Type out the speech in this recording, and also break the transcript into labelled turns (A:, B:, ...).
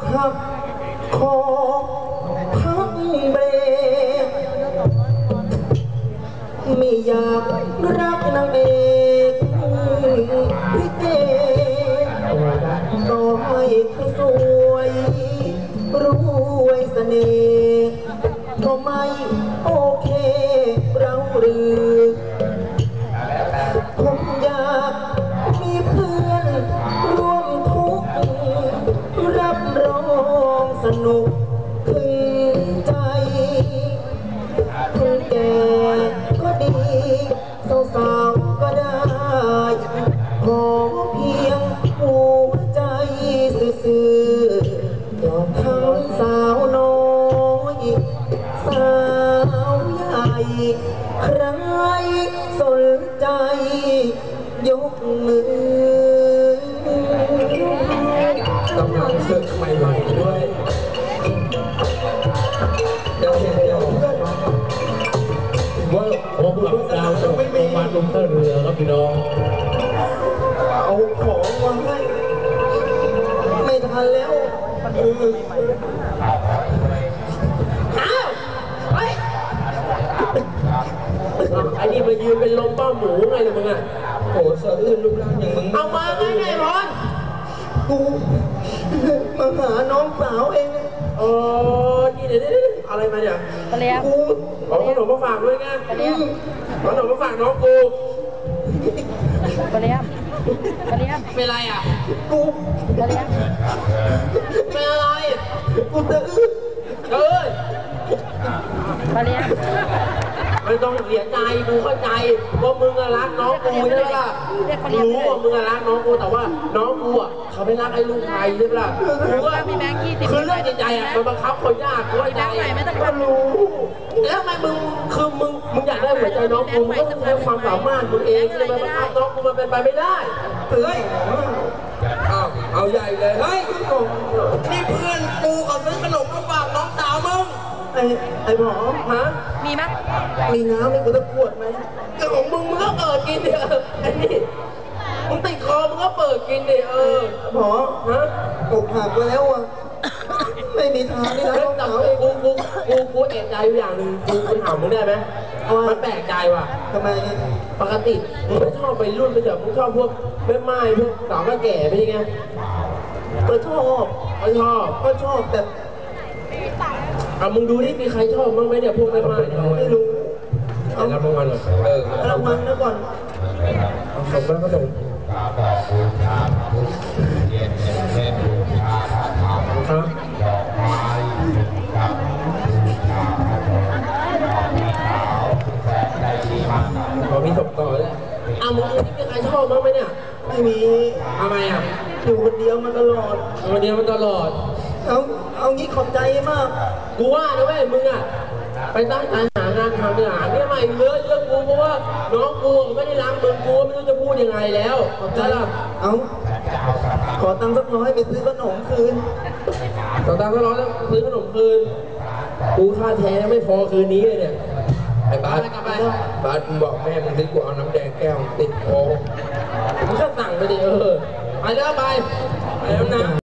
A: หักคอพักเบรกไม่อยากรักนางเอกพี่เกต่อให้เธอสวยรวยเสน่ห์ก็ไม่โอเคเราหรือผมอยากมีเพื่อนร่วมทุกข์รับรองสนุกถึงใจคนแก่ก็ดีสาวๆก็ได้ขอเพียงหัวใจซื่อๆยอมทั้งสาวน้อยสาวใหญ่ใครสนใจยกมือกำลังศึกใหม่ๆด้วยเดี๋ยวว่า
B: ผมหลับดาวจะไม่มีมาลงท่าเรือครับพี่น้อง
A: เอาของมาให้ไม่ทันแล้วอ้าวเฮ้ย
B: ไอ้นี่มายืนเป็นลมบ้าหมูไงล่ะมึงอ่ะ
A: โอ้สะอื้นรูปร่างอย่างมึง
B: เอามาไงไงพร
A: กูมาหาน้องสาวเอง
B: อ๋อนี่เดี๋ยวอะไรมาเนี่ย
A: กู
B: เอาขนมมาฝากด้วยไงขนมมาฝากน้องกู
C: เป็นไรอ่ะ
A: กู
C: เป็น
B: อะไร
A: กูจะอื้อ
B: ไม่ต้องเสียใจกูเข้าใจว่ามึงรักน้องกูใช่ไหมล่ะรู้ว่ามึงรักน้องกูแต่ว่าน้องกูอ่ะเขาไม่รักไอ้ลูกไทยใช่ไหมล่ะกูก็คือเรื่องใจอ่ะมันบังคับคนยากกูเข้าใจ
A: ก็รู้
B: แล้วทำไมมึงคือมึงอยากได้หัวใจน้องกูมึงก็ต้องใช้ความสามารถมึงเองจะมาบังคับน้องกูมันเป็นไปไม่ได้
A: เฮ้ย
B: เอาใหญ่เลย
A: เฮ้ย
B: นี่เพื่อนกูเขาซื้อขนมมาฝากน้องสาวมึง
A: ไอ้หมอ
B: ฮะ
C: มีมั้ย
A: มีน้ำให้กูตะขวดไหม
B: ก็ของมึงก็เปิดกินดิไอ้นี่มึงติดคอมึงก็เปิดกินดิ
A: หมอ
B: ฮะ
A: อกหักแล้วอ่ะไม่มีทางนี่นะน้องสาว
B: กูเอกใจอย่างหนึ่งกูถามมึงได้ไหมมันแปลกใจว่ะ
A: ทำไม
B: ปกติมึงไม่ชอบไปรุ่นไปเจอมึงชอบพวกแม่ไม้พวกสาวแก่ไปยังไง
A: ก็ชอบแต่
B: มึงดูนี่มีใครชอบบ้างไหมเนี่ยพวกแม่ไม้
A: ไม่รู้
B: เอารับรางวัลก่อน
A: รางวัลนะก่อน
B: ส่งมาก็ส่งครับมีส่งต่อเลยมึงนี่มีใครชอบบ้างไหมเนี่ย
A: ไม่มี
B: ทำไม
A: อยู่คนเดียวมาตลอดเอางี้ขอบใจมาก
B: กูว่านะเว้ยมึงอ่ะไปตั้งใจหางานทำเนี่ยใหม่เยอะกูเพราะว่าน้องกูไม่ได้รักมึงกูไม่รู้จะพูดยังไงแล้ว
A: ขอบใจล่ะขอตังค์สัก100ไปซื้อขนมคืน
B: ขอตังค์สัก100แล้วซื้อขนมคืนกูค่าแท้ไม่พอคืนนี้เลยเนี่ยไอ้บ้านมึงบอกแม่มึงซื้อกูเอาน้ำแดงแก้วติดคอมึงก็สั่งไปดิไปแล้วนะ